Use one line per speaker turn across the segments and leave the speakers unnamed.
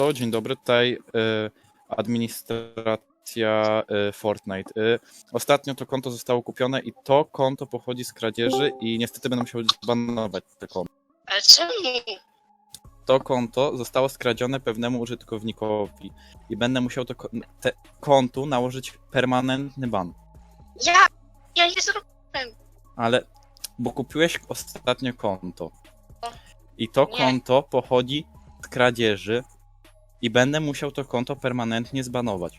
Dzień dobry, tutaj administracja Fortnite. Ostatnio to konto zostało kupione i to konto pochodzi z kradzieży i niestety będę musiał zbanować te konto.
Ale czemu?
To konto zostało skradzione pewnemu użytkownikowi i będę musiał kontu nałożyć permanentny ban.
Ja nie zrobiłem.
Ale, bo kupiłeś ostatnio konto i to
Nie.
konto pochodzi z kradzieży i będę musiał to konto permanentnie zbanować.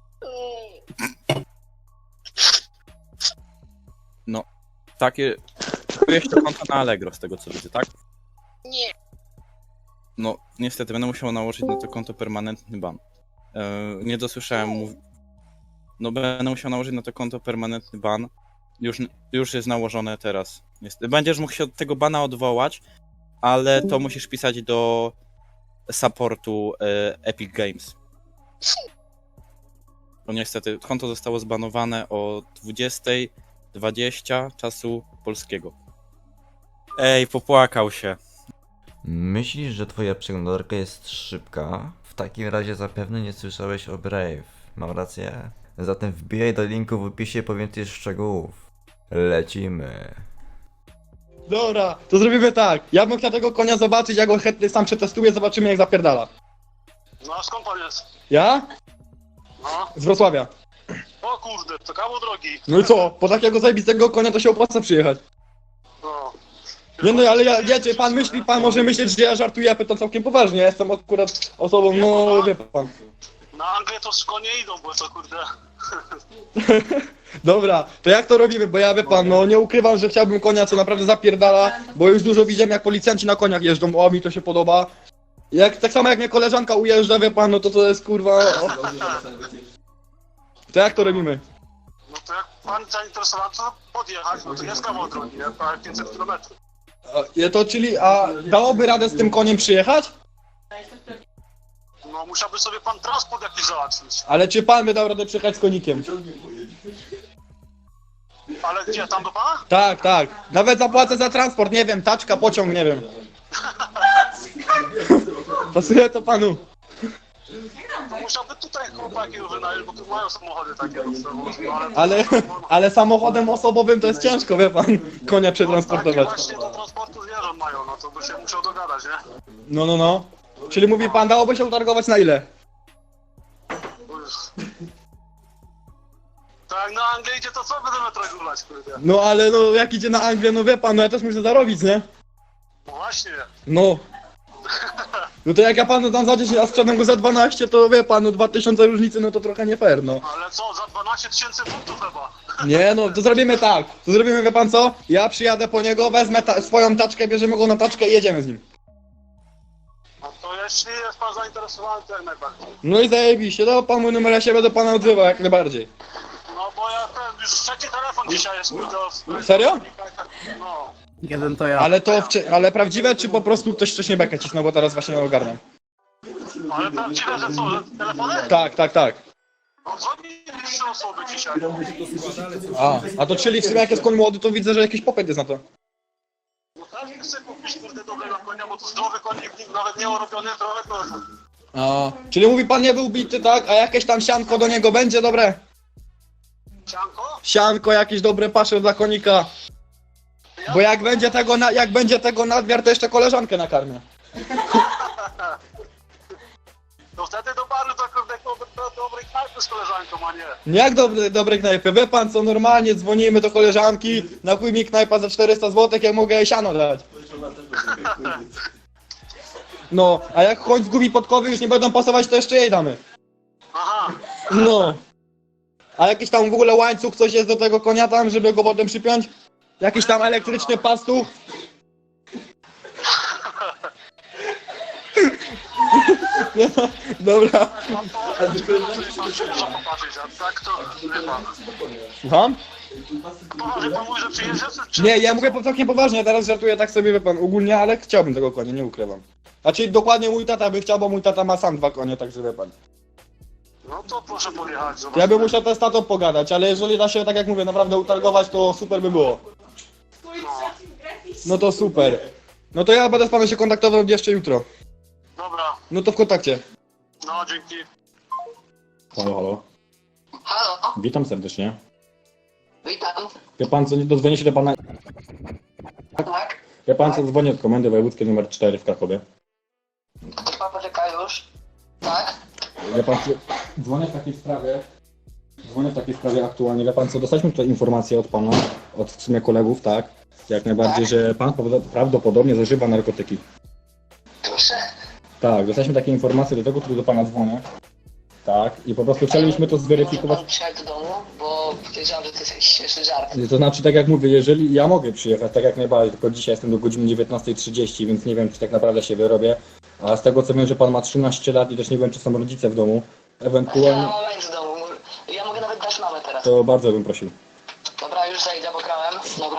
No, takie... Kupiłeś to konto na Allegro z tego co widzę, tak?
Nie.
No, niestety będę musiał nałożyć na to konto permanentny ban. Nie dosłyszałem No, będę musiał nałożyć na to konto permanentny ban. Już jest nałożone teraz. Będziesz mógł się od tego bana odwołać, ale to musisz pisać do supportu Epic Games. Bo niestety konto zostało zbanowane o 20:20 czasu polskiego. Ej, popłakał się.
Myślisz, że twoja przeglądarka jest szybka? W takim razie zapewne nie słyszałeś o Brave. Mam rację? Zatem wbijaj do linku w opisie po więcej szczegółów. Lecimy.
Dobra, to zrobimy tak. Ja bym chciał tego konia zobaczyć, ja go chętnie sam przetestuję, zobaczymy jak zapierdala.
No a skąd pan jest?
Ja?
No.
Z Wrocławia.
O kurde, to kawał drogi.
No i co? Po takiego zajebistego konia to się opłaca przyjechać.
No.
Nie no, ale wiecie, pan może myśleć, że ja żartuję, ja pytam całkiem poważnie. Ja jestem akurat osobą, no wie pan.
Na Anglię to konie idą, bo to kurde.
Dobra, to jak to robimy? Bo ja wie pan, no nie ukrywam, że chciałbym konia, co naprawdę zapierdala, bo już dużo widziałem jak policjanci na koniach jeżdżą, o mi to się podoba. Tak samo jak mnie koleżanka ujeżdża, wie pan, no to jest kurwa... O. To jak to robimy?
No to jak pan zainteresowany, to podjechać, no to jest kawał drogi, nie? Prawie 500 km.
A dałoby radę z tym koniem przyjechać?
No musiałby sobie pan transport jakiś załatwić.
Ale czy pan by dał radę przyjechać z konikiem?
Ale gdzie, tam do pana?
Tak, tak. Nawet zapłacę za transport, nie wiem, taczka, pociąg, nie wiem. Pasuje to panu.
To musiałby tutaj chłopaki wynająć, bo tu mają samochody takie.
Ale samochodem osobowym to jest ciężko, wie pan, konia
Takie
przetransportować.
właśnie do transportu zwierząt mają, no to by się musiał dogadać, nie?
No. Czyli mówi pan, dałoby się utargować na ile?
To jak na Anglię idzie, to co będziemy regulować, kurde?
No ale no jak idzie na Anglię, no wie pan, no ja też muszę zarobić, nie?
No właśnie.
No. No to jak ja panu dam za 10, a sprzedam go za 12, to wie pan, no 2000 różnicy, no to trochę nie fair, no.
Ale co, za 12 000 funtów chyba?
Nie no, to zrobimy tak. To zrobimy, wie pan co? Ja przyjadę po niego, wezmę swoją taczkę, bierzemy go na taczkę i jedziemy z nim.
No to jeśli jest pan zainteresowany, to jak najbardziej.
No i zajebiście, no pan mój numer, ja się będę pana odzywał jak najbardziej.
No bo ja ten, już trzeci telefon dzisiaj jest, kurde.
Serio?
No.
Jeden to ja.
Ale prawdziwe, czy po prostu ktoś wcześniej bekę cisnął, bo teraz właśnie ogarniam.
Ale prawdziwe, że co, że telefony?
Tak.
No dzwoni 3 osoby dzisiaj.
A to czyli w sumie jak jest koń młody, to widzę, że jakiś popyt jest na to.
No każdy chce kupić kurde dobrego konia, bo to zdrowy konik, nawet nie orobiony, trochę to.
Czyli mówi pan nie był bity, tak? A jakieś tam sianko do niego będzie dobre?
Sianko?
Sianko, jakieś dobre pasze dla konika. Bo jak będzie tego nadmiar, to jeszcze koleżankę nakarmię.
No wtedy do baru to kurde dobrej knajpy z koleżanką, a nie.
Nie jak dobre knajpy, wie pan co, normalnie dzwonimy do koleżanki, napój mi knajpa za 400 zł, jak mogę jej siano dać. No, a jak koń zgubi podkowy już nie będą pasować, to jeszcze jej damy.
Aha.
No. A jakiś tam w ogóle łańcuch, coś jest do tego konia tam, żeby go potem przypiąć? Jakiś tam elektryczny pastuch? Nie, dobra.
Muszę popatrzeć, a tak to wie pan.
Słucham?
Poważnie pan mówi, że przyjeżdża, czy...
Nie, ja mówię całkiem poważnie, ja teraz żartuję tak sobie, wie pan, ogólnie, ale chciałbym tego konia, nie ukrywam. Znaczy dokładnie mój tata by chciał, bo mój tata ma sam 2 konie, także wie pan.
No to proszę podjechać,
Ja bym
zobaczymy.
musiał też z tatą pogadać, ale jeżeli da się, tak jak mówię, naprawdę utargować, to super by było. No to super. No to ja będę z panem się kontaktował jeszcze jutro.
Dobra.
No to w kontakcie.
No, dzięki.
Halo, halo.
Halo,
Witam serdecznie.
witam.
Wie pan co, dodzwonię się do pana...
Tak?
Wie pan co, dzwonię od komendy wojewódzkiej numer 4 w Krakowie.
Pan poczeka już. Tak?
Wie pan co, dzwonię w takiej sprawie... Dzwonię w takiej sprawie aktualnie. Wie pan co, dostaliśmy tutaj informację od pana, od w sumie kolegów, tak? Jak najbardziej, że pan prawdopodobnie zażywa narkotyki.
Proszę.
Tak, dostaliśmy takie informacje, do tego, który do pana dzwonię. Tak, i po prostu chcielibyśmy to zweryfikować.
Może pan przyjechać do domu, bo podejrzewam, że to jest jakiś śmieszny żart.
To znaczy, tak jak mówię, jeżeli ja mogę przyjechać, tak jak najbardziej, tylko dzisiaj jestem do godziny 19:30, więc nie wiem, czy tak naprawdę się wyrobię. A z tego co wiem, że pan ma 13 lat i też nie wiem, czy są rodzice w domu.
Ja
Ewentualnie,
mam moment w domu. Ja mogę nawet dać mamę teraz.
to bardzo bym prosił.
Dobra, już zajdę, bo grałem. Dobra.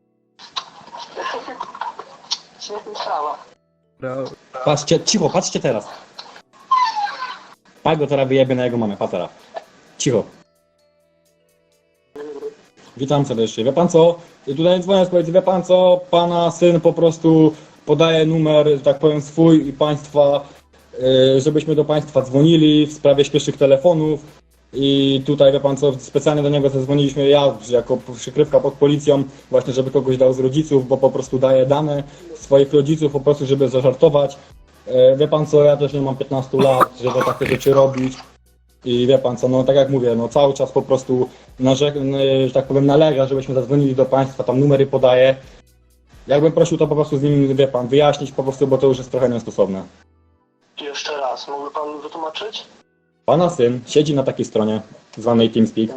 Świetna sprawa.
Patrzcie, cicho, patrzcie teraz. Pan go teraz wyjebie na jego mamę, patera. Cicho. Witam serdecznie. Wie pan co? Tutaj dzwonię z policji. Wie pan co? Pana syn po prostu podaje numer, że tak powiem, swój i państwa, żebyśmy do państwa dzwonili w sprawie śpiesznych telefonów. I tutaj, wie pan co, specjalnie do niego zadzwoniliśmy jako przykrywka pod policją, właśnie żeby kogoś dał z rodziców, bo po prostu daje dane swoich rodziców po prostu, żeby zażartować. Wie pan co, ja też nie mam 15 lat, żeby takie rzeczy robić. I wie pan co, no tak jak mówię, no cały czas po prostu, że tak powiem, nalega, żebyśmy zadzwonili do państwa, tam numery podaje. Jakbym prosił to po prostu z nim, wie pan, wyjaśnić po prostu, bo to już jest trochę niestosowne.
Jeszcze raz, mógłby pan wytłumaczyć?
Pana syn siedzi na takiej stronie zwanej TeamSpeak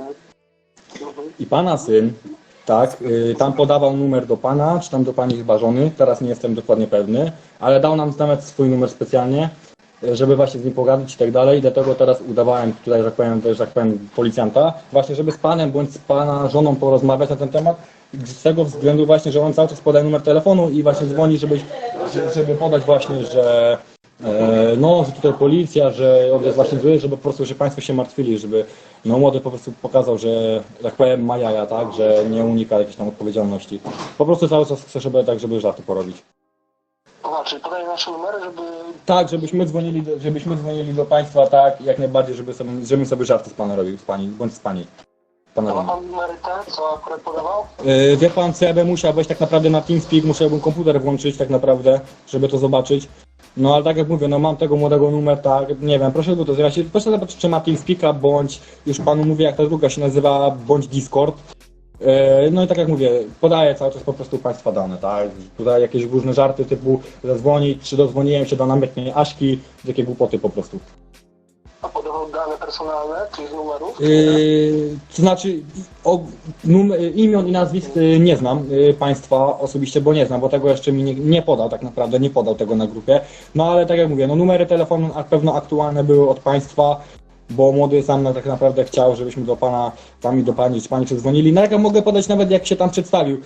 i pana syn, tak, tam podawał numer do pana, czy tam do pani chyba żony, teraz nie jestem dokładnie pewny, ale dał nam nawet swój numer specjalnie, żeby właśnie z nim pogadać i tak dalej, i dlatego teraz udawałem tutaj, że tak powiem, policjanta, właśnie żeby z panem bądź z pana żoną porozmawiać na ten temat, z tego względu właśnie, że on cały czas podaje numer telefonu i właśnie dzwoni, żeby podać właśnie, że no, że tutaj policja, że on jest właśnie zły, żeby po prostu, że państwo się martwili, żeby no młody po prostu pokazał, że tak powiem ma jaja, tak, że nie unika jakiejś tam odpowiedzialności. Po prostu cały czas chce, żeby żarty porobić.
Aha, czyli podaję nasze numery, żeby...
Tak, żebyśmy dzwonili do państwa, tak, jak najbardziej, żebym sobie żarty z pana robił, z pani, bądź z pani. Pana
A ma
żony.
pan numery te, co akurat podawał?
Wie pan co, ja bym musiał wejść tak naprawdę na TeamSpeak, musiałbym komputer włączyć tak naprawdę, żeby to zobaczyć. No ale tak jak mówię, no mam tego młodego numer, tak, nie wiem, proszę go to zobaczyć, proszę zobaczyć, czy ma TeamSpeaka, bądź, już panu mówię jak ta druga się nazywa, bądź Discord. No i tak jak mówię, podaję cały czas po prostu państwa dane, tak, tutaj jakieś różne żarty typu zadzwonić, czy dodzwoniłem się do namiętnej Aśki, takie głupoty po prostu.
A podawał dane personalne, czyli z numerów?
To znaczy imion i nazwisk nie znam państwa osobiście, bo nie znam, bo tego jeszcze mi nie podał tak naprawdę, nie podał tego na grupie. No ale tak jak mówię, no numery telefonu na pewno aktualne były od państwa, bo młody sam tak naprawdę chciał, żebyśmy do pana, tam i do pani, czy pani przedzwonili. No jak ja mogę podać nawet jak się tam przedstawił.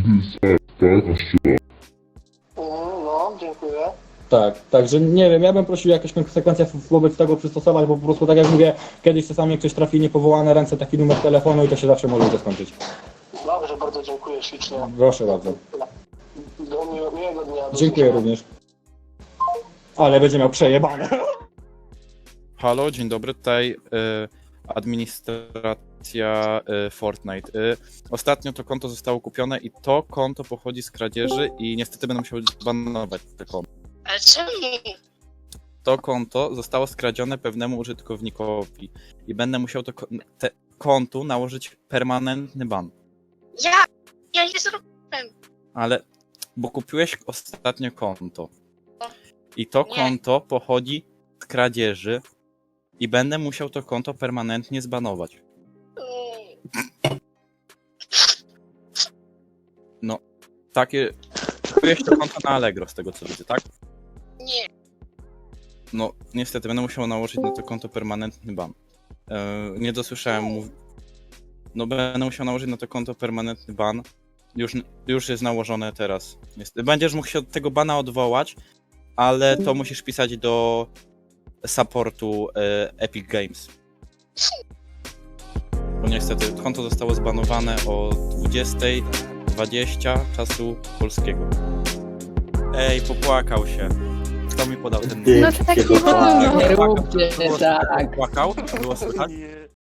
No, dziękuję.
Tak, także nie wiem, ja bym prosił jakieś konsekwencje wobec tego przystosować, bo po prostu tak jak mówię, kiedyś czasami jak ktoś trafi niepowołane ręce taki numer telefonu i to się zawsze może skończyć.
Dobrze, bardzo dziękuję ślicznie.
Proszę bardzo.
Do miłego dnia. Do
Dziękuję
usłyszenia.
również. Ale będzie miał przejebane.
Halo, dzień dobry, tutaj administracja Fortnite. Ostatnio to konto zostało kupione i to konto pochodzi z kradzieży i niestety będę musiał zbanować te konto.
Ale czemu?
To konto zostało skradzione pewnemu użytkownikowi i będę musiał te kontu nałożyć permanentny ban.
Ja nie zrobiłem.
Ale, bo kupiłeś ostatnio konto i to
Nie.
konto pochodzi z kradzieży i będę musiał to konto permanentnie zbanować. No, takie... Kupiłeś to konto na Allegro z tego co widzę, tak?
Nie.
No, niestety będę musiał nałożyć na to konto permanentny ban. Nie dosłyszałem No, będę musiał nałożyć na to konto permanentny ban. Już jest nałożone teraz. Będziesz mógł się od tego bana odwołać, ale to musisz pisać do supportu Epic Games. Bo niestety konto zostało zbanowane o 20:20 czasu polskiego. Ej, popłakał się. Kto mi podał ten...
No to tak nie wolno.
Nie róbcie tak.
Płakał? Było słychać?